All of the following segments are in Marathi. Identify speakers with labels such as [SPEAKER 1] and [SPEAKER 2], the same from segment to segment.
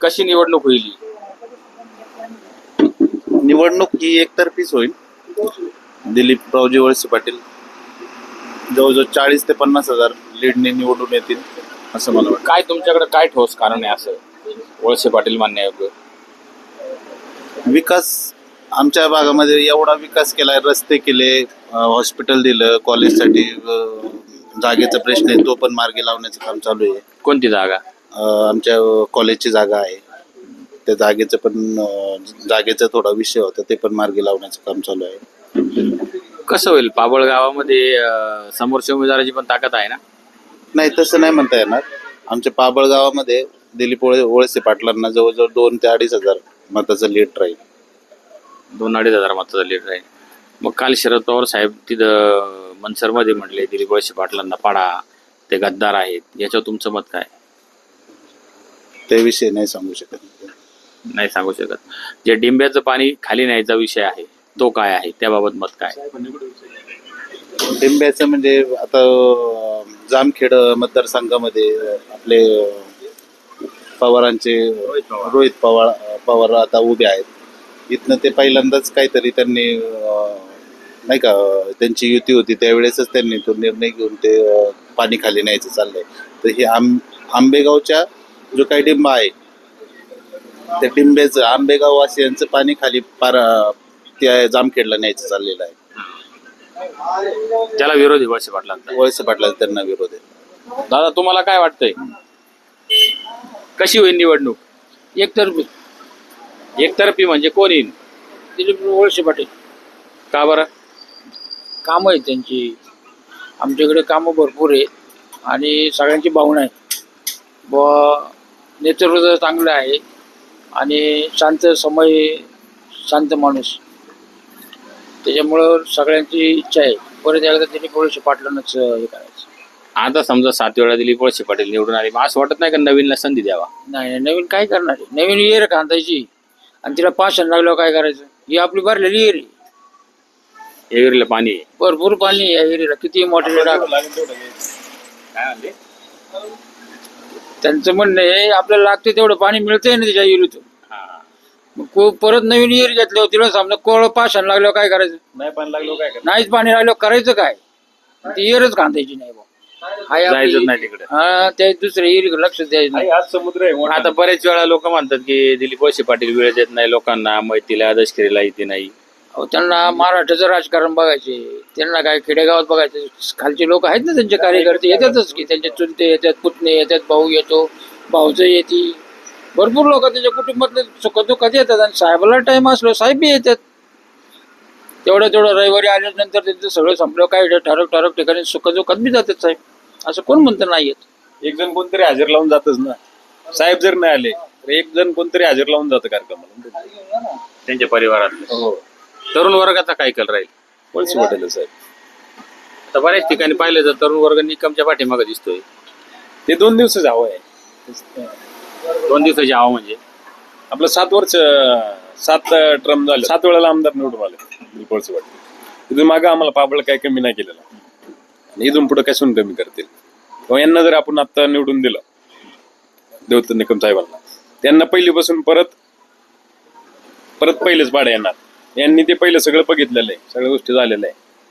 [SPEAKER 1] कशी निवडणूक होईल?
[SPEAKER 2] निवडणूक ही एकतर्फीच होईल. दिलीपरावजी वळसे पाटील जवळजवळ 40,000 ते 50,000 लीडने निवडून येतील असं मला वाटतं.
[SPEAKER 1] काय तुमच्याकडे काय ठोस कारण आहे असं वळसे पाटील मानण्यायोग्य?
[SPEAKER 2] विकास आमच्या भागामध्ये एवढा विकास केलाय, रस्ते केले, हॉस्पिटल दिलं, कॉलेजसाठी जागेचा प्रश्न आहे तो पण मार्गी लावण्याचं काम चालू आहे.
[SPEAKER 1] कोणती जागा?
[SPEAKER 2] आमच्या कॉलेजची जागा आहे, त्या जागेचं पण जागेचा थोडा विषय होता, ते पण मार्गी लावण्याचं काम चालू आहे.
[SPEAKER 1] कसं होईल? पाबळ गावामध्ये समोरच्या उमेदवाराची पण ताकद आहे ना?
[SPEAKER 2] नाही, तसं नाही म्हणता येणार. आमच्या पाबळ गावामध्ये दिलीप वळसे पाटलांना जवळजवळ 2,000 ते 2,500 मताचं लीड राहील.
[SPEAKER 1] 2,000-2,500 मताचा लीड राहील. मग काल शरद पवार साहेब तिथं मनसरमध्ये म्हटले दिलीप वळसे पाटलांना पाडा, ते गद्दार आहेत. याच्यावर तुमचं मत काय?
[SPEAKER 2] त्याविषयी नाही सांगू शकत.
[SPEAKER 1] नाही सांगू शकत. जे डिंब्याचं पाणी खाली न्यायचा विषय आहे तो काय आहे, त्याबाबत मत काय?
[SPEAKER 2] डिंब्याचं म्हणजे आता जामखेड मतदारसंघामध्ये आपले पवारांचे रोहित पवार आता उभे आहेत. इथनं ते पहिल्यांदाच काहीतरी त्यांनी नाही का, त्यांची युती होती त्यावेळेसच त्यांनी तो निर्णय घेऊन ते पाणी खाली न्यायचं चाललंय. तर हे आंबेगावच्या जो काही डिंबा आहे त्या डिंब्याचं आंबेगाव वासियांचं पाणी खाली त्या जामखेडला न्यायचं चाललेलं आहे.
[SPEAKER 1] त्याला विरोध आहे वळसे पाटलांचा.
[SPEAKER 2] वळसे पाटलांचा त्यांना विरोध आहे.
[SPEAKER 1] दादा, तुम्हाला काय वाटतंय? कशी होईल निवडणूक? एकतर्फी म्हणजे कोण येईल?
[SPEAKER 3] दिलीप वळसे पाटील.
[SPEAKER 1] का बरं?
[SPEAKER 3] कामं आहेत त्यांची, आमच्याकडे कामं भरपूर आहेत आणि सगळ्यांची भावना आहे व नेतृत्व चांगलं आहे आणि शांत माणूस, त्याच्यामुळं सगळ्यांची इच्छा आहे परत एकदा दिलीप वळसे पाटलांनाच हे करायचं.
[SPEAKER 1] आता समजा 7 वेळा दिलीप वळसे पाटील निवडून आले, मग असं वाटत नाही का नवीनला संधी द्यावा?
[SPEAKER 3] नाही, नवीन काय करणार आहे? नवीन येर खांदायची आणि तिला पाषाण लागल्यावर काय करायचं? ही आपली भरलेली येर आहे,
[SPEAKER 1] एरीला पाणी आहे.
[SPEAKER 3] भरपूर पाणी आहे या एरीला, किती मोठे त्यांचं म्हणणं आहे आपल्याला लागते तेवढं पाणी मिळतंय ना त्याच्या एरीतून. मग परत नवीन एरी घेतल्यावर तिला समजा कोळ पाषाण लागल्यावर काय करायचं?
[SPEAKER 1] नाही पाणी लागलं काय?
[SPEAKER 3] नाहीच पाणी लागल्यावर करायचं काय? ती एरच खांदायची नाही
[SPEAKER 1] जायचं नाही तिकडे.
[SPEAKER 3] हा, त्या दुसऱ्या एरीकडे लक्ष द्यायचं नाही.
[SPEAKER 1] आज समुद्र आहे. आता बरेच वेळा लोक म्हणतात की दिलीप वळसे पाटील वेळ देत नाही लोकांना, मैतीला दशकरीला येते नाही.
[SPEAKER 3] अहो, त्यांना महाराष्ट्राचं राजकारण बघायचे, त्यांना काय खेडेगावात बघायचे. खालचे लोक आहेत ना त्यांचे कार्यकर्ते, येतातच की त्यांचे चुलते येतात, पुतणे येतात, भाऊ येतो, भाऊचं येते, भरपूर लोक त्याच्या कुटुंबातले सुखदुःखात येतात. आणि साहेबाला टाइम असलो साहेब बी येतात. तेवढं रविवारी आल्यानंतर त्यांचं सगळं संपलं काय ठरक ठिकाणी सुखदुःखात बी जातात साहेब. असं कोण म्हणतं नाही येत?
[SPEAKER 4] एक जण कोणतरी हजर लावून जातच ना. साहेब जर नाही आले तर एक जण कोणतरी हजर लावून जातं कार्यक्रमाला
[SPEAKER 1] त्यांच्या परिवारात.
[SPEAKER 4] हो,
[SPEAKER 1] तरुण वर्गाचा काय कल राहील?
[SPEAKER 4] वळसे पाटील साहेब.
[SPEAKER 1] आता बऱ्याच ठिकाणी पाहिलं तर तरुण वर्ग निकमच्या पाठीमागे दिसतोय.
[SPEAKER 4] ते 2 दिवसाचं हवं आहे.
[SPEAKER 1] 2 दिवसाची हवा म्हणजे
[SPEAKER 4] आपलं 7 वर्ष 7 टर्म झाले, 7 वेळेला आमदार निवडून आले दिलीप वळसे पाटील. इथून मागं आम्हाला पाबळ काय कमी नाही केलेला आणि इथून पुढे कसून कमी करतील. किंवा यांना जर आपण आता निवडून दिलं देवदत्त निकम साहेबांना, त्यांना पहिलीपासून परत पहिलेच पाड्या येणार. यांनी ते पहिलं सगळं बघितलेलं आहे, सगळ्या गोष्टी झालेल्या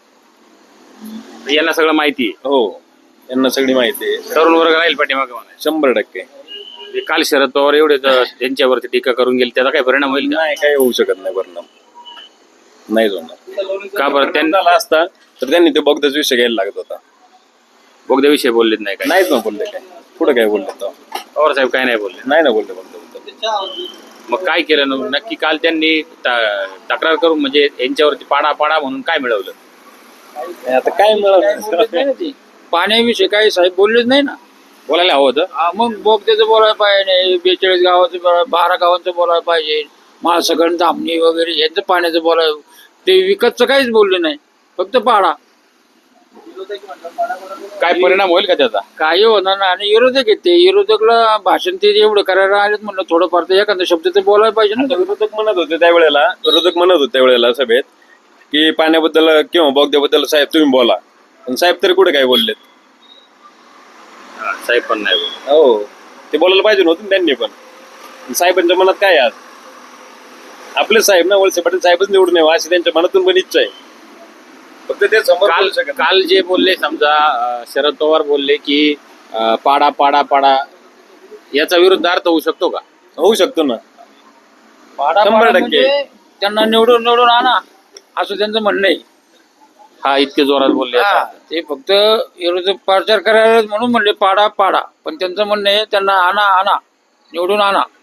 [SPEAKER 4] आहे.
[SPEAKER 1] यांना सगळं माहिती आहे.
[SPEAKER 4] हो, यांना सगळी माहिती आहे.
[SPEAKER 1] तरुण वर्ग राहील पाठीमागे म्हणायचं.
[SPEAKER 4] 100%.
[SPEAKER 1] काल शरद पवार एवढे त्यांच्यावरती टीका करून गेले, त्याचा काय परिणाम होईल का?
[SPEAKER 4] नाही, काही होऊ शकत नाही परिणाम. नाही होणार.
[SPEAKER 1] का बरं?
[SPEAKER 4] त्यांना असता तर त्यांनी ते बोगदाचा विषय घ्यायला लागत होता.
[SPEAKER 1] बोगद्याविषयी बोललेत नाही काय?
[SPEAKER 4] नाहीच ना बोलले. काय पुढे काय बोलले तर
[SPEAKER 1] पवार साहेब काय नाही बोलले?
[SPEAKER 4] नाही ना बोलले बोगदा.
[SPEAKER 1] मग काय केलं नक्की? काल त्यांनी तक्रार करून म्हणजे यांच्यावरती पाडा म्हणून काय मिळवलं?
[SPEAKER 4] आता काय मिळालं?
[SPEAKER 3] पाण्याविषयी काही साहेब बोललेच नाही ना.
[SPEAKER 1] बोलायला हवं होतं.
[SPEAKER 3] मग बोगद्याचं बोलायला पाहिजे, 42 गावाचं 12 गावांचं बोलायला पाहिजे, महासगण धामणी वगैरे यांचं पाण्याचं बोलायला. ते विकतचं काहीच बोलले नाही, फक्त पाडा.
[SPEAKER 1] काय परिणाम होईल का त्याचा?
[SPEAKER 3] काही होणार ना. आणि विरोधक आहेत ते, विरोधकला भाषण ते एवढं करायला आलेत म्हणलं थोडंफार तर एखादा शब्द ते बोलायला पाहिजे ना.
[SPEAKER 4] विरोधक म्हणत होते त्यावेळेला सभेत की पाण्याबद्दल किंवा बोगद्याबद्दल साहेब तुम्ही बोला, पण साहेब तरी कुठे काय बोललेत?
[SPEAKER 1] साहेब पण नाही बोलले.
[SPEAKER 4] हो, ते बोलायला पाहिजे नव्हतं त्यांनी पण. साहेबांच्या मनात काय आहे आज? आपले साहेब ना, वळसे पाटील साहेबच निवडून यावं अशी त्यांच्या मनातून पण इच्छा आहे. फक्त ते समोर
[SPEAKER 1] काल
[SPEAKER 4] बोलू शकत नाही.
[SPEAKER 1] काल जे बोलले समजा शरद पवार बोलले की पाडा पाडा पाडा, याचा विरुद्ध अर्थ होऊ शकतो का?
[SPEAKER 4] होऊ शकतो ना.
[SPEAKER 3] पाडा
[SPEAKER 4] 100%
[SPEAKER 3] पाडा म्हणजे त्यांना निवडून आणा असं त्यांचं म्हणणं आहे.
[SPEAKER 1] हा इतके जोरात बोलले
[SPEAKER 3] हा,
[SPEAKER 1] आता.
[SPEAKER 3] ते फक्त विरोधी प्रचार करायला म्हणून म्हणले पाडा पाडा, पण त्यांचं म्हणणं आहे त्यांना आणा निवडून आणा.